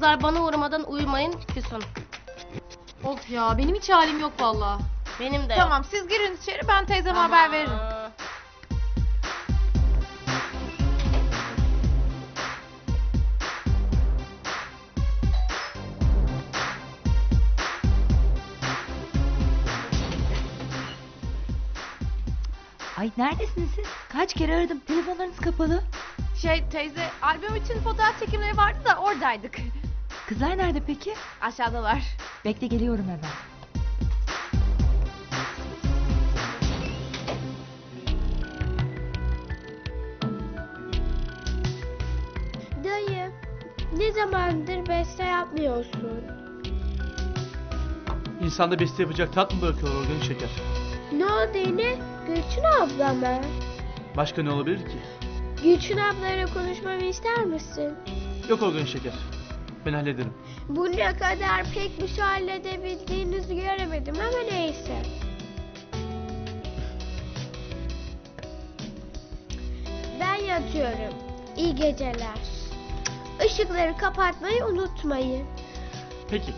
Kızlar bana uğramadan uyumayın Füsun. Of ya benim hiç halim yok valla. Benim de Tamam siz girin içeri, ben teyzeme haber veririm. Ay neredesiniz siz? Kaç kere aradım. Telefonlarınız kapalı. Teyze, albüm için fotoğraf çekimleri vardı da oradaydık. Kızlar nerede peki? Aşağıdalar. Bekle geliyorum hemen. Dayı, ne zamandır beste yapmıyorsun? İnsanda beste yapacak tat mı bırakıyorlar organik şeker? Ne oldu yine? Gülçin abla mı? Başka ne olabilir ki? Gülçin ablayla konuşmamı ister misin? Yok organik şeker. Ben hallederim. Bu ne kadar pek bir şey halledebildiğinizi göremedim ama neyse. Ben yatıyorum. İyi geceler. Işıkları kapatmayı unutmayın. Peki.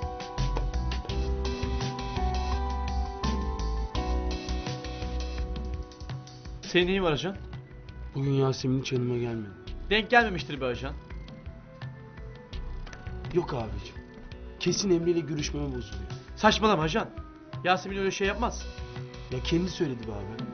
Senin neyin var ajan? Bugün Yasemin hiç yanıma gelmedi. Denk gelmemiştir be ajan. Yok abicim. Kesin Emre ile görüşmeme bozuluyor. Saçmalama ajan. Yasemin öyle şey yapmaz. Ya kendi söyledi be abi.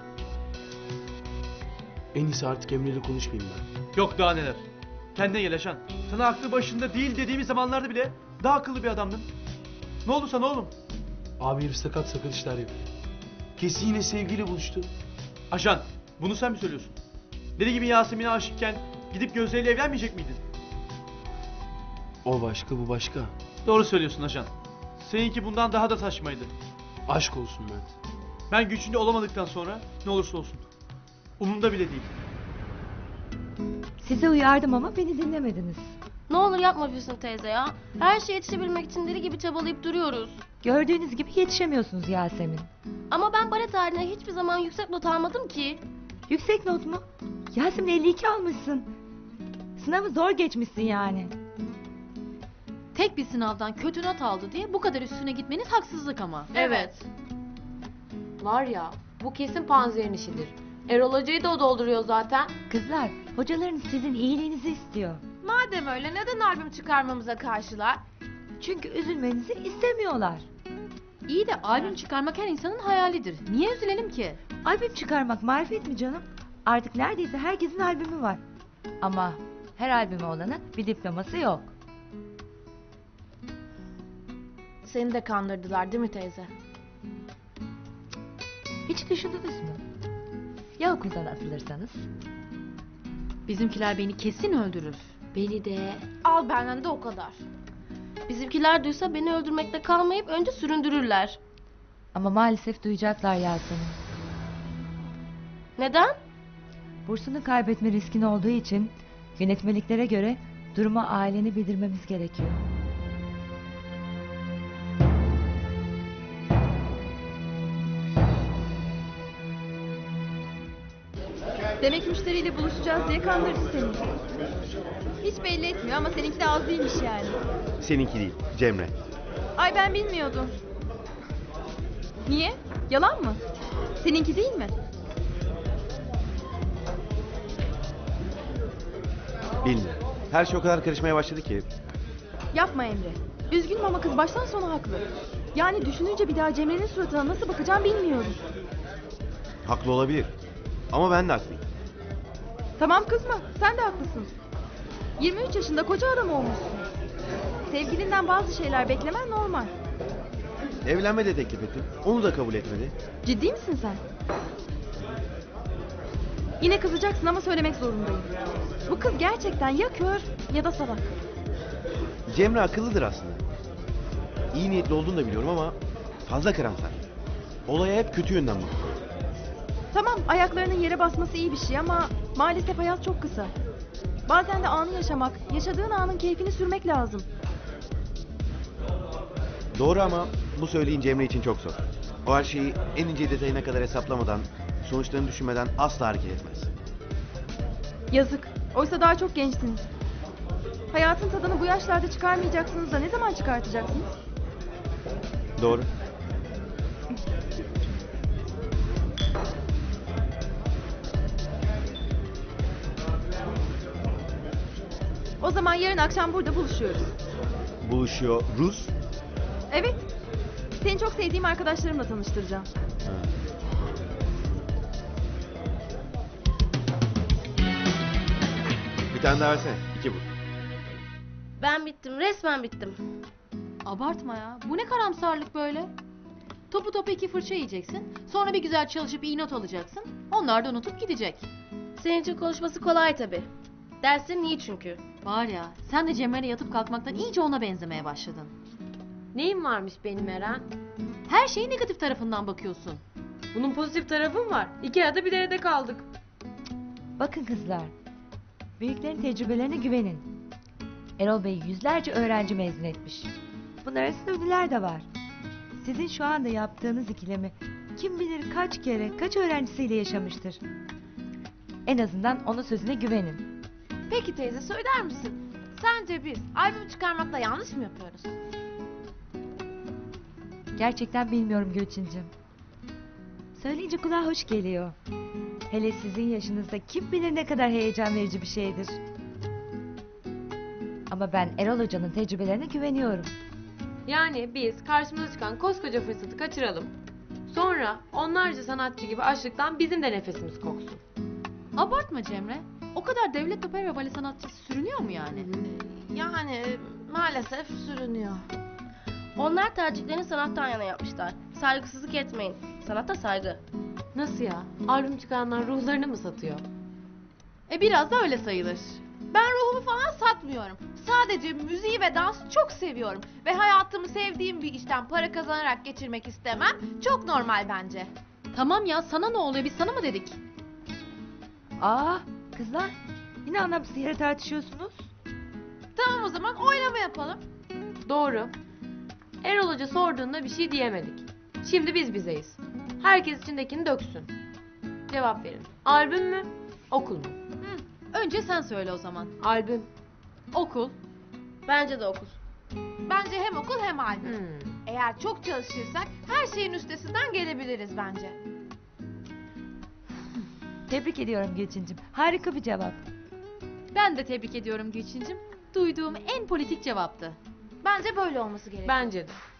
En iyisi artık Emre ile konuşmayayım ben. Yok daha neler. Kendine gel ajan. Sana aklı başında değil dediğimiz zamanlarda bile daha akıllı bir adamdın. Ne oldu sana oğlum? Abi herif sakat sakat işler yapıyor. Kesin yine sevgiyle buluştu. Ajan, bunu sen mi söylüyorsun? Deli gibi Yasemin'e aşıkken gidip Gözde ile evlenmeyecek miydin? O başka, bu başka. Doğru söylüyorsun ajan. Seninki bundan daha da saçmaydı. Aşk olsun Mert. Ben gücünde olamadıktan sonra ne olursa olsun. Umurumda bile değil. Size uyardım ama beni dinlemediniz. Ne olur yapma Füsun teyze ya. Her şeye yetişebilmek için deli gibi çabalayıp duruyoruz. Gördüğünüz gibi yetişemiyorsunuz Yasemin. Ama ben bale tarihine hiçbir zaman yüksek not almadım ki. Yüksek not mu? Yasemin 52 almışsın. Sınavı zor geçmişsin yani. Tek bir sınavdan kötü not aldı diye bu kadar üstüne gitmeniz haksızlık ama. Evet. Var ya, bu kesin Panzer'in işidir. Erol Hoca'yı da o dolduruyor zaten. Kızlar, hocalarınız sizin iyiliğinizi istiyor. Madem öyle neden albüm çıkarmamıza karşılar? Çünkü üzülmenizi istemiyorlar. İyi de albüm çıkarmak her insanın hayalidir. Niye üzülelim ki? Albüm çıkarmak marifet mi canım? Artık neredeyse herkesin albümü var. Ama her albümü olanın bir diploması yok. Seni de kandırdılar değil mi teyze? Hiç düşündünüz mü? Ya okuldan atılırsanız? Bizimkiler beni kesin öldürür. Beni de. Al benden de o kadar. Bizimkiler duysa beni öldürmekte kalmayıp önce süründürürler. Ama maalesef duyacaklar Yasemin. Neden? Bursunu kaybetme riskin olduğu için yönetmeliklere göre duruma aileni bildirmemiz gerekiyor. Demek müşteriyle buluşacağız diye kandırdı seni. Hiç belli etmiyor ama seninki de az değilmiş yani. Seninki değil, Cemre. Ay ben bilmiyordum. Niye? Yalan mı? Seninki değil mi? Bilmiyorum. Her şey o kadar karışmaya başladı ki. Yapma Emre. Üzgünüm ama kız baştan sona haklı. Yani düşününce bir daha Cemre'nin suratına nasıl bakacağım bilmiyorum. Haklı olabilir. Ama ben de haklıyım. Tamam kızma, sen de haklısın. 23 yaşında koca adam olmuşsun. Sevgilinden bazı şeyler beklemen normal. Evlenme de teklif ettim. Onu da kabul etmedi. Ciddi misin sen? Yine kızacaksın ama söylemek zorundayım. Bu kız gerçekten ya kör ya da salak. Cemre akıllıdır aslında. İyi niyetli olduğunu da biliyorum ama fazla karamsar. Olaya hep kötü yönden bakıyor. Tamam, ayaklarının yere basması iyi bir şey ama maalesef hayat çok kısa. Bazen de anı yaşamak, yaşadığın anın keyfini sürmek lazım. Doğru ama bu söylediğin Cemre için çok zor. O her şeyi en ince detayına kadar hesaplamadan, sonuçlarını düşünmeden asla hareket etmez. Yazık. Oysa daha çok gençsiniz. Hayatın tadını bu yaşlarda çıkarmayacaksınız da ne zaman çıkartacaksınız? Doğru. O zaman yarın akşam burada buluşuyoruz. Buluşuyor Rus. Evet. Seni çok sevdiğim arkadaşlarımla tanıştıracağım. Ha. Bir tane daha versene. 2 bu. Ben bittim, resmen bittim. Abartma ya. Bu ne karamsarlık böyle? Topu topu 2 fırça yiyeceksin. Sonra bir güzel çalışıp iyi not alacaksın. Onlar da unutup gidecek. Senin için konuşması kolay tabii. Derslerin iyi çünkü. Var ya, sen de Cemre'yle yatıp kalkmaktan iyice ona benzemeye başladın. Neyim varmış benim Eren? Her şeyi negatif tarafından bakıyorsun. Bunun pozitif tarafı mı var? 2 arada bir derede kaldık. Bakın kızlar. Büyüklerin tecrübelerine güvenin. Erol Bey yüzlerce öğrenci mezun etmiş. Bunlar arasında ünlüler de var. Sizin şu anda yaptığınız ikilemi kim bilir kaç kere, kaç öğrencisiyle yaşamıştır. En azından onun sözüne güvenin. Peki teyze söyler misin? Sence biz albüm çıkarmakta yanlış mı yapıyoruz? Gerçekten bilmiyorum Gülçincim. Söyleyince kulağa hoş geliyor. Hele sizin yaşınızda kim bilir ne kadar heyecan verici bir şeydir. Ama ben Erol Hoca'nın tecrübelerine güveniyorum. Yani biz karşımıza çıkan koskoca fırsatı kaçıralım. Sonra onlarca sanatçı gibi açlıktan bizim de nefesimiz koksun. Abartma Cemre. O kadar devlet opera ve bale sanatçısı sürünüyor mu yani? Yani maalesef sürünüyor. Onlar tercihlerini sanattan yana yapmışlar. Saygısızlık etmeyin. Sanata saygı. Nasıl ya? Albüm çıkaranlar ruhlarını mı satıyor? Biraz da öyle sayılır. Ben ruhumu falan satmıyorum. Sadece müziği ve dansı çok seviyorum. Ve hayatımı sevdiğim bir işten para kazanarak geçirmek istemem. Çok normal bence. Tamam ya, sana ne oluyor? Biz sana mı dedik? Aa kızlar, yine anlamsız yere tartışıyorsunuz. Tamam o zaman oylama yapalım. Doğru. Erol Hoca sorduğunda bir şey diyemedik. Şimdi biz bizeyiz. Herkes içindekini döksün. Cevap verin. Albüm mü? Okul mu? Önce sen söyle o zaman. Albüm. Okul. Bence de okul. Bence hem okul hem albüm. Hmm. Eğer çok çalışırsak her şeyin üstesinden gelebiliriz bence. Tebrik ediyorum Gülçincim. Harika bir cevap. Ben de tebrik ediyorum Gülçincim. Duyduğum en politik cevaptı. Bence böyle olması gerekiyor. Bence de.